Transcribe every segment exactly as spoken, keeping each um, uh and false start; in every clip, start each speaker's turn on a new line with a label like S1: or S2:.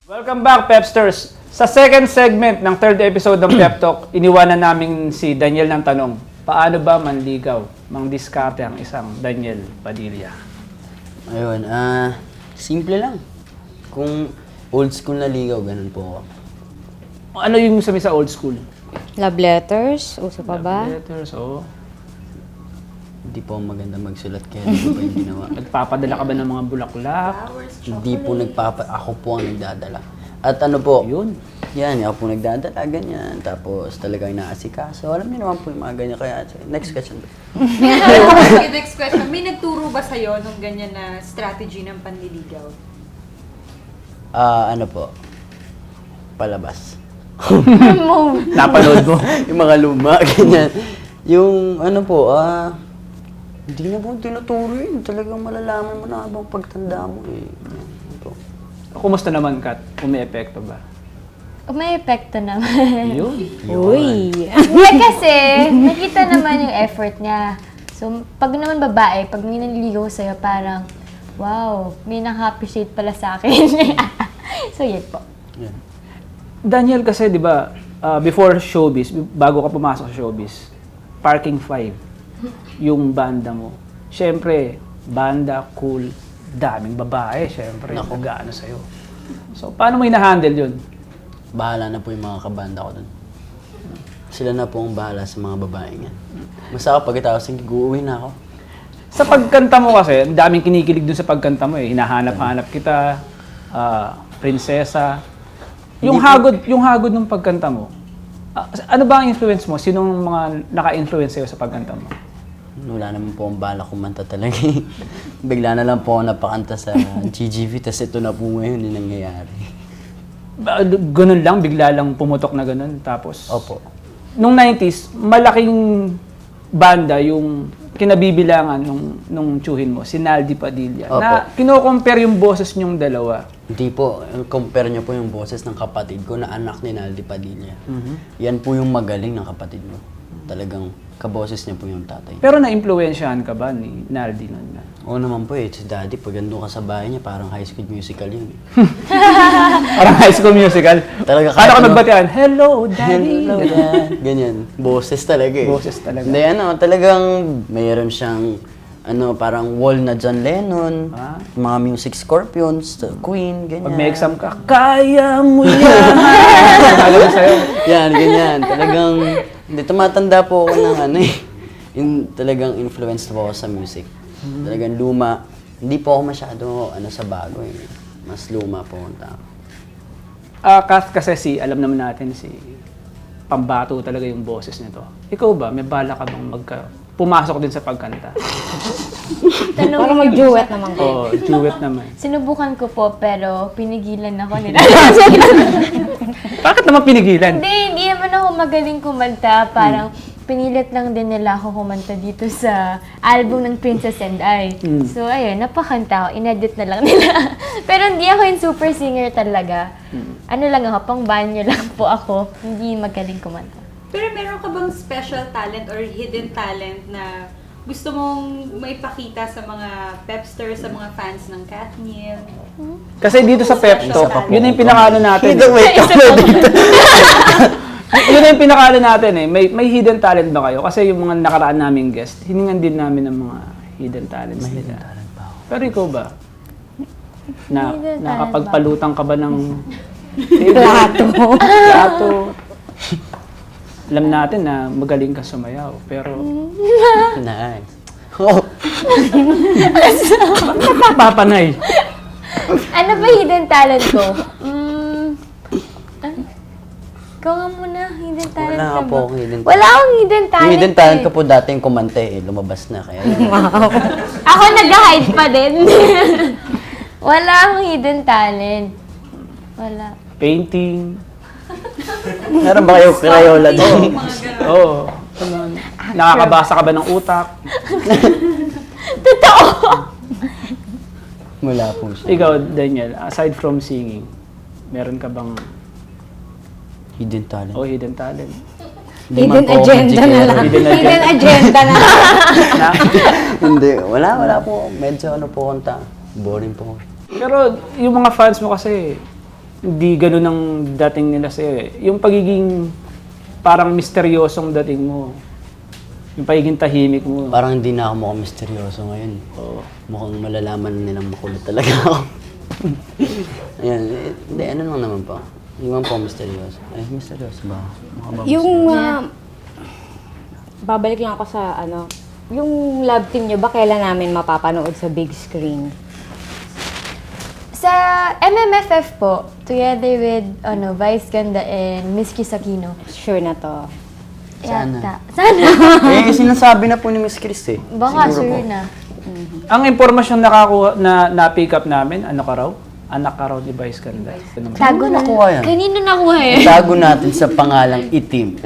S1: Welcome back, Pepsters! Sa second segment ng third episode ng Pep Talk, iniwanan namin si Daniel ng tanong, paano ba manligaw, mangdiskarte ang isang Daniel Padilla?
S2: Ayun, ah, simple lang. Kung old school na ligaw, ganun po ako.
S1: Ano yung sabi sa old school?
S3: Love letters? Uso pa ba?
S1: Letters, oo.
S2: Hindi po ako maganda magsulat kaya hindi ko pa yung ginawa.
S1: Nagpapadala ka ba ng mga bulaklak?
S2: Hindi po nagpapa... Ako po ang nagdadala. At ano po,
S1: Yun.
S2: yan, ako po nagdadala, ganyan. Tapos talagang inaasikaso. Alam niyo naman po yung mga ganyan. Kaya, next question.
S4: Okay, next question. May nagturo ba sa'yo nung ganyan na strategy ng panliligaw?
S2: Ah, ano po? Palabas.
S1: Napanood mo?
S2: Yung mga luma, ganyan. Yung ano po, ah... hindi na po tinuturo yun. Talagang malalaman mo na habang pagtanda mo eh. Yan, po.
S1: Kumusta naman, Kat? Kung may epekto ba?
S3: May epekto naman.
S1: Yun.
S3: Uy! Hindi kasi, nakita naman yung effort niya. So, pag naman babae, pag may nanliligaw sa'yo, parang, wow, may nang-appreciate pala sa akin. So, yun po.
S2: Yan.
S1: Daniel, kasi di ba, uh, before showbiz, bago ka pumasok sa showbiz, Parking Five, yung banda mo. Siyempre, banda, cool, daming babae, siyempre,
S2: Nako.
S1: nag-ano sa'yo. So, paano mo ina-handle yun?
S2: Bahala na po yung mga kabanda ko dun. Sila na po ang bahala sa mga babae yan. Basta ako pagkatapos, uuwi na ako.
S1: Sa pagkanta mo kasi, ang daming kinikilig dun sa pagkanta mo eh. Hinahanap-hanap kita, ah, prinsesa. Yung
S2: Hindi po-
S1: hagod, yung hagod ng pagkanta mo, ah, ano ba ang influence mo? Sinong mga naka-influence sa'yo sa pagkanta mo?
S2: Wala naman po ang bala kumanta talaga eh. Bigla na lang po ako napakanta sa G G V, tas ito na po ngayon yung nangyayari.
S1: Ba- Ganun lang, bigla lang pumutok na ganun. Tapos,
S2: Opo.
S1: nung nineties, malaking banda yung kinabibilangan nung, nung tsuhin mo, si Naldi Padilla.
S2: Opo.
S1: Na kino-compare yung boses nyong dalawa.
S2: Hindi po, compare niyo po yung boses ng kapatid ko na anak ni Naldi Padilla.
S1: Mhm.
S2: Yan po yung magaling ng kapatid mo. Talagang kaboses niya po yung tatay.
S1: Pero na-impluensyahan ka ba ni Naldi nun? na?
S2: Oo naman po eh, si daddy, pag andun ka sa bahay niya, parang high school musical yun eh.
S1: Parang High School Musical.
S2: Talaga
S1: Paano ka
S2: ano-
S1: nagbatian? Hello, Daddy!
S2: Hello, Dad. Ganyan. Boses talaga eh.
S1: Boses talaga.
S2: Hindi, ano, talagang mayroon siyang ano, parang wall na John Lennon,
S1: Ah.
S2: mga music Scorpions, Queen, ganyan.
S1: Pag may exam ka, kaya mo yan! Talaga sa'yo.
S2: Yan, ganyan. Talagang, hindi, tumatanda po ako ng ano eh. In, talagang influenced po ako sa music. Talagang luma. Hindi po ako masyado ano sa bago eh. Mas luma po ang tao.
S1: Ah, Kath, kasi si, alam naman natin si pambato talaga yung boses nito. Ikaw ba, may bala ka bang magka, pumasok din sa pagkanta?
S3: Tanong Para mag-duet naman ko.
S1: Oo, duet naman.
S3: Sinubukan ko po, pero pinigilan ako nila.
S1: Bakit naman pinigilan?
S3: Hindi, hindi naman ako magaling kumanta. Parang pinilit lang din nila ako kumanta dito sa album ng Princess and I.
S1: Mm.
S3: So, ayun, napakanta ako. Inedit na lang nila. Pero hindi ako yung super singer talaga. Ano lang ako, pang banyo lang po ako. Hindi magaling kumanta.
S4: Pero meron ka bang special talent or hidden talent na gusto mong maipakita sa mga pepsters, sa mga fans ng Katniel?
S1: Kasi dito sa Pep Talk, yun na yung pinakano natin.
S2: Hindi, wait, ako dito.
S1: Yun na yung pinakano natin eh. May, may hidden talent ba kayo? Kasi yung mga nakaraan naming guest, hiningan din namin ng mga hidden talents nila. Pero ikaw ba? Na,
S3: Hidden talent
S1: nakapagpalutang ka ba ng
S3: Plato.
S1: plato? Alam natin na magaling ka sumayaw, pero
S2: Nice. Oh,
S1: papanay.
S3: Ano ba hidden talent ko? Mm, ah, ikaw nga muna, hidden talent
S2: wala
S3: ka
S2: nga
S3: ba?
S2: po akong hidden talent.
S3: Wala akong hidden talent.
S2: Yung hidden talent
S3: eh.
S2: ko po dati yung kumante eh, lumabas na kaya.
S3: Ako nag-hide pa din. Wala akong hidden talent. Wala.
S1: Painting.
S2: Meron ba kayo Crayola doon?
S1: Oo. Ano, nakakabasa ka ba ng utak?
S3: Totoo!
S2: Wala po siya.
S1: Ikaw, Daniel, aside from singing, meron ka bang
S2: Hidden talent.
S1: oh, hidden talent?
S2: Hindi
S3: Hidden
S2: man po ako
S3: agenda na
S2: magsikero.
S3: lang.
S1: Hidden agenda.
S3: Hidden agenda na lang.
S1: Na,
S2: Hindi, wala, wala po. Medyo ano po konta. Boring po.
S1: pero yung mga fans mo kasi, hindi ganun ang dating nila sa'yo eh. Yung pagiging parang misteryosong dating mo. Yung pagiging tahimik mo.
S2: Parang hindi na ako mukhang misteryoso ngayon.
S1: Oo.
S2: Mukhang malalaman nilang makulit talaga ako. Ayan, eh, hindi, ano lang naman po. Hindi man po misteryoso. Ay, misteryoso ba? Mukha ba
S5: Yung,
S2: misteryoso?
S5: ah, babalik lang ako sa ano, yung love team nyo ba kailan namin mapapanood sa big screen?
S3: Sa M M F F po, together with ano, Vice Ganda and Miss Kisakino.
S5: Sure na to.
S2: Sana.
S3: Yata. Sana.
S2: Eh, sinasabi na po ni Miss Chris eh.
S3: Baka
S2: Siguro
S3: sure
S2: po.
S3: na.
S1: Ang impormasyon nakakuha na na-pick up namin, ano ka raw? Anak ka raw ni Vice Ganda. Ganun ba?
S3: Tago na.
S2: nakuha yan?
S3: Kanino nakuha eh?
S2: Itago natin sa pangalang itim.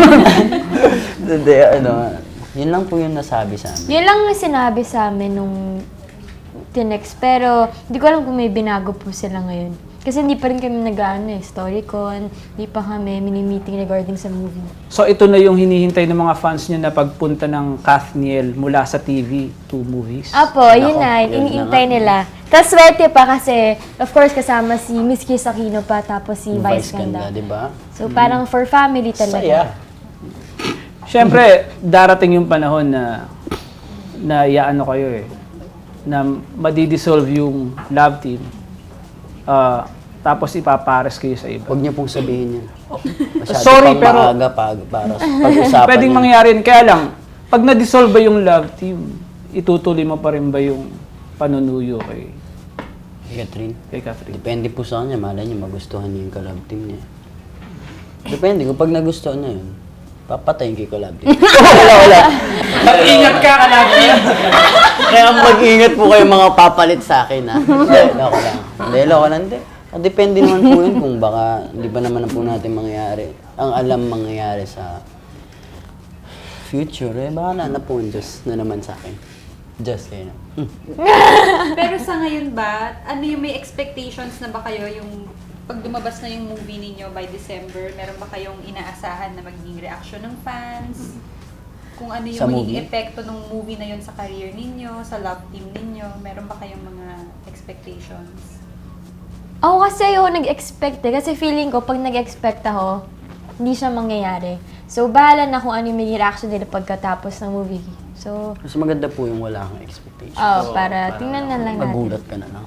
S2: Hindi, ano, yun lang po yung nasabi sa amin.
S3: Yun lang yung sinabi sa amin nung tinext. Pero hindi ko alam kung may binago po sila ngayon. Kasi hindi pa rin kami nag-ano eh, StoryCon, hindi pa kami mini-meeting regarding sa movie.
S1: So ito na yung hinihintay ng mga fans nyo na pagpunta ng Kathniel mula sa T V to movies.
S3: Apo, yun
S2: Nako,
S3: na,
S2: yun
S3: iniintay
S2: na nga.
S3: nila. Tapos swerte pa kasi, of course, kasama si Miss Kisakino pa, tapos si
S2: Yung
S3: Vice
S2: Vice Ganda,
S3: Ganda.
S2: di ba?
S3: So parang for family talaga.
S2: Saya.
S1: Siyempre, darating yung panahon na na iaano kayo eh, na madidissolve yung love team. Ah, tapos ipapares kayo sa iba.
S2: Huwag niyo pong sabihin yan. Masyado
S1: Sorry,
S2: pang
S1: pero-
S2: maaga pa, para sa pag-usapan
S1: Pwedeng
S2: yan.
S1: mangyari yun. Kaya lang, pag na-dissolve ba yung love team, itutuloy mo pa rin ba yung panunuyo kay,
S2: Catherine,
S1: kay Catherine?
S2: depende po sa kanya. Malay niya, magustuhan niya yung collab team niya. Depende. Kung pag nagustuhan niya yun, papatayin kay collab team. wala, wala.
S1: Mag-ingat ka ka lagi!
S2: Kaya mag-ingat po kayo mga papalit sa akin, ha? Hindi, loko lang. Hindi, loko lang. Hindi. Ah, Depende naman po yun kung baka hindi pa naman na po natin mangyayari. Ang alam mangyayari sa future, eh, baka na na po yung Diyos na naman sa akin. Just kayo na. Hmm.
S4: Pero sa ngayon ba, ano yung may expectations na ba kayo yung pag lumabas na yung movie ninyo by December, meron ba kayong inaasahan na magiging reaction ng fans? Kung ano yung
S2: Sa
S4: magiging
S2: movie?
S4: epekto ng movie na yun sa career ninyo, sa love team ninyo, meron ba kayong mga expectations?
S3: Ako kasi ayoko nag-expect eh. Kasi feeling ko, pag nag-expect ako, hindi siya mangyayari. So, bahala na kung ano yung magiging reaction nila pagkatapos ng movie. So,
S2: Mas maganda po yung wala kang expectation.
S3: oh, para tingnan na lang natin.
S2: Magulat ka na lang.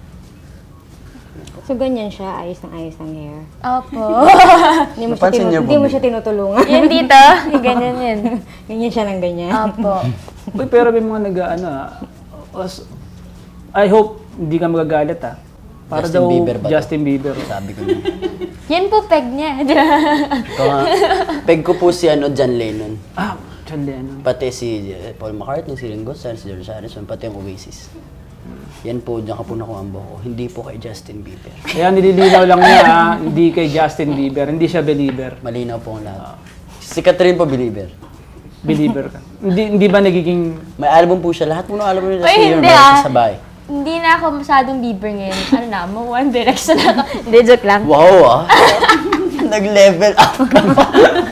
S5: So ganyan siya, ayos ng ayos ng hair.
S3: Opo.
S5: Hindi mo siya,
S2: Napansin
S5: tinu-
S2: niyo po,
S5: hindi mo
S2: Bi?
S5: siya tinutulungan.
S3: Yan dito, yung ganyan yan.
S5: ganyan siya ng ganyan.
S3: Opo.
S1: Uy, pero may mga nag-ano ah. Os- I hope hindi ka magagalit ah. Para
S2: Justin
S1: daw
S2: Bieber ba to?
S1: Justin Bieber.
S2: Sabi ko na.
S3: Yan po peg niya.
S2: Ito nga, peg ko po si ano, John Lennon.
S1: Ah, John Lennon.
S2: Pati si eh, Paul McCartney, si Ringo Starr, si George Harrison, pati ang Oasis. Yan po, diyan ka po nakuha ang buhok ko. Hindi po kay Justin Bieber.
S1: Kaya nililinaw lang niya ah, hindi kay Justin Bieber. Hindi siya believer.
S2: Malinaw po ang lahat. Si Catherine po, believer.
S1: Believer ka. Hindi hindi ba nagiging
S2: May album po siya. Lahat po ng album nila
S3: Ay,
S2: si
S3: hindi,
S2: Year,
S3: ah.
S2: sabay.
S3: Hindi na ako masyadong Bieber ngayon. Ano na, mo One Direction na ako. Hindi, joke lang.
S2: Wow ah! Nag-level up ka pa.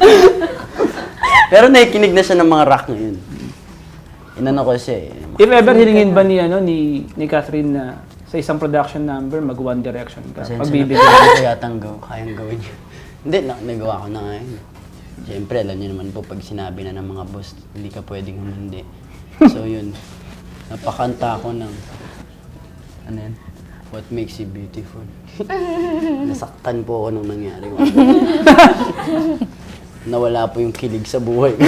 S2: Pero nakikinig na siya ng mga rock ngayon. Inano ko siya eh.
S1: if ever hilingin ba ni ano ni ni Catherine na sa isang production number mag One Direction ka?
S2: Pasensya na
S1: Pagbibigyan.
S2: po, kaya yatang gaw, kayang gawin yun. Hindi, na, nagawa ko na ngayon. Siyempre, alam niyo naman po, pag sinabi na ng mga boss, hindi ka pwedeng humindi. So yun, napakanta ko ng, ano yan? What makes you beautiful? Nasaktan po ako nung nangyari. Nawala po yung kilig sa buhay.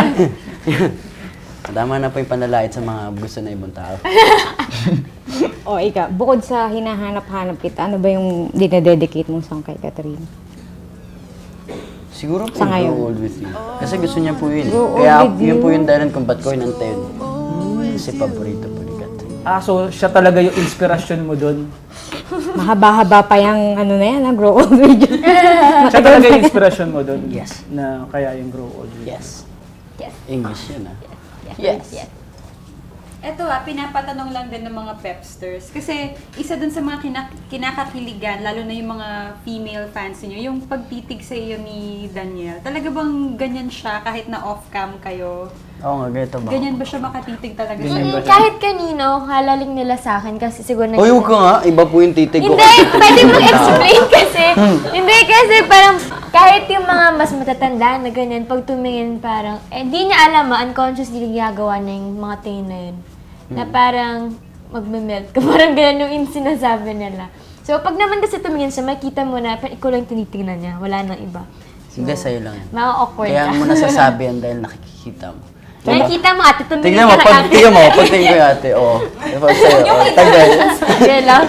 S2: Tama na po yung panlalait sa mga gusto na ibang tao.
S5: O ika, bukod sa hinahanap-hanap kita, ano ba yung dinededicate mong song kay Catherine?
S2: Siguro po,
S5: Sa ngayon?
S2: Grow Old With You. Kasi gusto niya po yun.
S5: Grow Old
S2: Kaya
S5: With
S2: yun
S5: You.
S2: po yung dahilan kung ba't ko inantay yun. Kasi paborito po ni Kat.
S1: Ah, so siya talaga yung inspiration mo doon.
S5: Mahaba-haba pa yung ano na yan, ha? Grow old with you.
S1: Siya talaga yung inspiration mo doon.
S2: Yes.
S1: Na kaya yung grow old.
S2: Yes.
S3: Yes.
S2: English yun ah.
S3: Yes.
S2: Yes.
S4: Eto ah, pinapatanong lang din ng mga pepsters. Kasi isa dun sa mga kinak- kinakakiligan, lalo na yung mga female fans niyo, yung pagtitig sa iyo ni Daniel. Talaga bang ganyan siya kahit na off-cam kayo?
S2: Oo nga, ganito ba?
S4: Ganyan ba siya makatitig talaga
S1: Ganyan
S4: sa'yo?
S1: ba?
S3: Mm, kahit kanino, halaling nila sa akin kasi siguro
S2: Uy, huwag ka nga. Iba po yung titig ko.
S3: Hindi, pwede mo explain kasi. Hindi kasi parang kahit yung mga mas matatanda na ganyan, pag tumingin parang, eh di niya alam ah, unconsciously ginagawa niya yung mga tingin na yun. Na parang magme-melt ka. Parang ganyan yung sinasabi nila. So pag naman kasi tumingin siya, makita mo na parang ikaw lang yung tinitingnan niya. Wala nang iba. So,
S2: Hindi, sa'yo lang yan.
S3: ma-awkward
S2: Kaya
S3: ka.
S2: mo nasasabi yan dahil nakikita mo.
S3: Nakikita mo ate, tumingin
S2: Tingnan mo,
S3: ka na
S2: pag
S3: ate.
S2: tingnan mo, pag tingin ko yung ate, oo. Diba sa'yo, oh, tagal.
S3: Sige lang.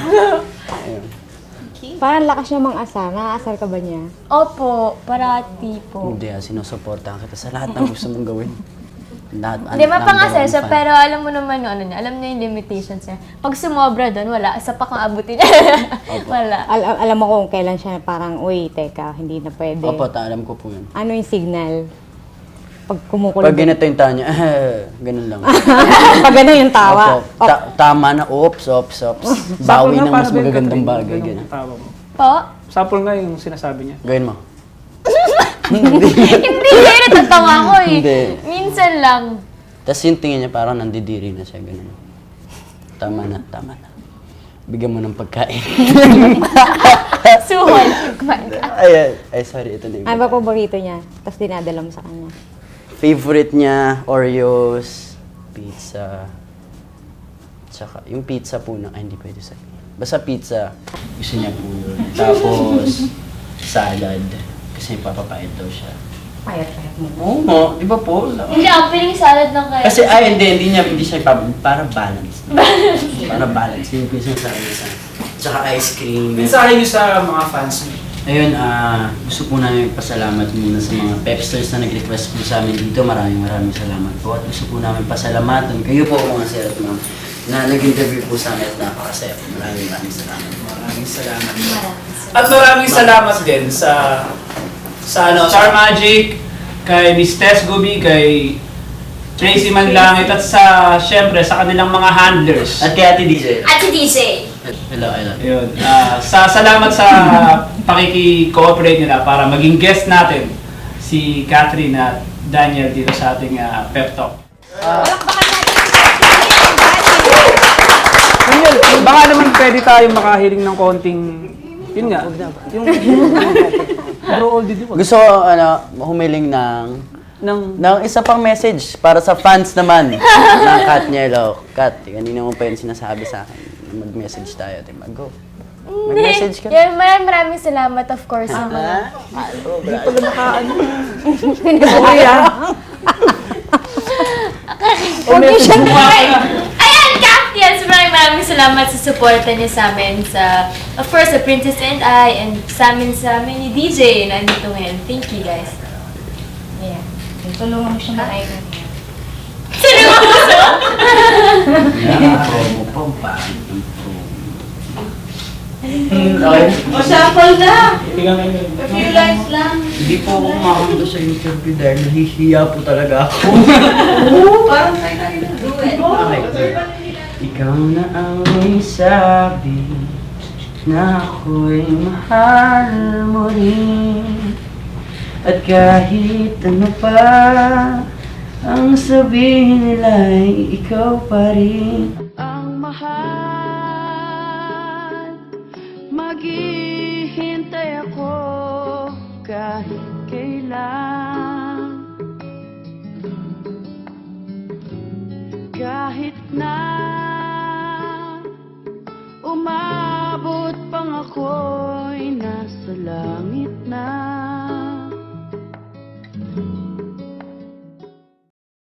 S5: Parang lakas niya mang-asar. Nakaasar ka ba niya?
S3: Opo, parati po.
S2: Hindi ah, sinusuportahan kita sa lahat ng gusto mong gawin. Lahat,
S3: Hindi,
S2: lahat ng
S3: mapangasal
S2: gawin
S3: siya,
S2: fan.
S3: pero alam mo naman yung ano niya, alam niya yung limitations niya. Pag sumobra doon, wala, isa pa kang abutin niya. Wala.
S5: Al- al- alam mo kung kailan siya parang, uy, teka, hindi na pwede.
S2: Opo, ta- alam ko po yun.
S5: Ano yung signal? Pag kumukulong.
S2: Pag ganito yung tanya, ganun lang.
S5: Pag gano'n yung tawa.
S2: Opo, ta- tama na, oops, oops, oops. Bawi ng mas magagandang bagay.
S1: Ganun
S2: Ganun.
S1: ang tawa mo.
S3: Po?
S1: Sample nga yung sinasabi niya.
S2: Gawin mo.
S3: Hindi, hindi, natatawa ko eh.
S2: Hindi.
S3: Minsan lang.
S2: Tapos yung tingin niya parang nandidiri na siya, ganun. Tama na, tama na. Bigyan mo ng pagkain.
S3: Suhol. Kumain ka.
S2: ay, ay, ay, sorry, ito na yung
S5: Ano ba paborito niya? Tapos dinadala mo sa kanya.
S2: favorite niya, Oreos, pizza, tsaka yung pizza po na, ay hindi pwede sabihin. Basta pizza, gusto niya po yun. Tapos, salad, kasi papapait daw siya.
S5: Payat-payat mo.
S2: Oo nga, di ba po?
S3: Hindi, opening salad lang kayo.
S2: Kasi, ay, hindi, hindi niya, hindi siya ipab... Para balance. Para balance. Yung pizza sa kanya sa... Tsaka ice cream.
S1: Mensahe niyo sa mga fans niyo.
S2: Ayun, ah, gusto po namin pasalamat muna sa mga pepsters na nag-request po sa amin dito. Maraming maraming salamat po. At gusto po namin pasalamatan kayo po mga sir at ma'am na nag-interview po sa amin at napakasaya po. Maraming maraming salamat po.
S1: Maraming salamat. At maraming salamat din sa sa ano, Star Magic, kay Miss Tess Gubi, kay Tracy Manlangit, at sa, syempre, sa kanilang mga handlers.
S2: At kay Ate D J.
S3: At si D J.
S2: Hello, hello.
S1: Yun. ah, sa salamat sa pakiki-cooperate nila para maging guest natin si Catherine at Daniel dito sa ating ah, pep talk. Daniel, baka naman pwede tayong makahiling ng konting, yun nga, yung, bro, oldie di ba?
S2: Gusto ko, ano, humiling ng
S1: Ng,
S2: ng isa pang message para sa fans naman ng Kat Nielo. Kat, kanina mo pa yun sinasabi sa akin. Mag-message tayo. Diba? Go. Mag-message ka.
S3: Yan, maraming maraming salamat of course sa mga... Confusion mo Ayan, Kat! Yes, maraming maraming salamat sa suporta niyo sa amin sa, of course, sa Princess and I, and sa amin sa amin ni D J na nandito ngayon. Thank you, guys. Yeah.
S5: Tulungan mo siya mag-iron.
S3: Sino mo gusto?
S2: Yeah, promo pa. Paano yung promo? Okay.
S6: O, sample na!
S1: bigyan mo yun.
S6: A few lines lang.
S2: Hindi po ako makakanta sa interview dahil nahihiya po talaga ako.
S6: Parang tayo na rin do it.
S2: Okay. Ikaw na ang may sabi na ako'y mahal mo rin. At kahit ano pa ang sabihin nila'y ikaw pa rin.
S6: Ang mahal, maghihintay ako kahit kailan. Kahit na umabot pang ako'y nasa langit na.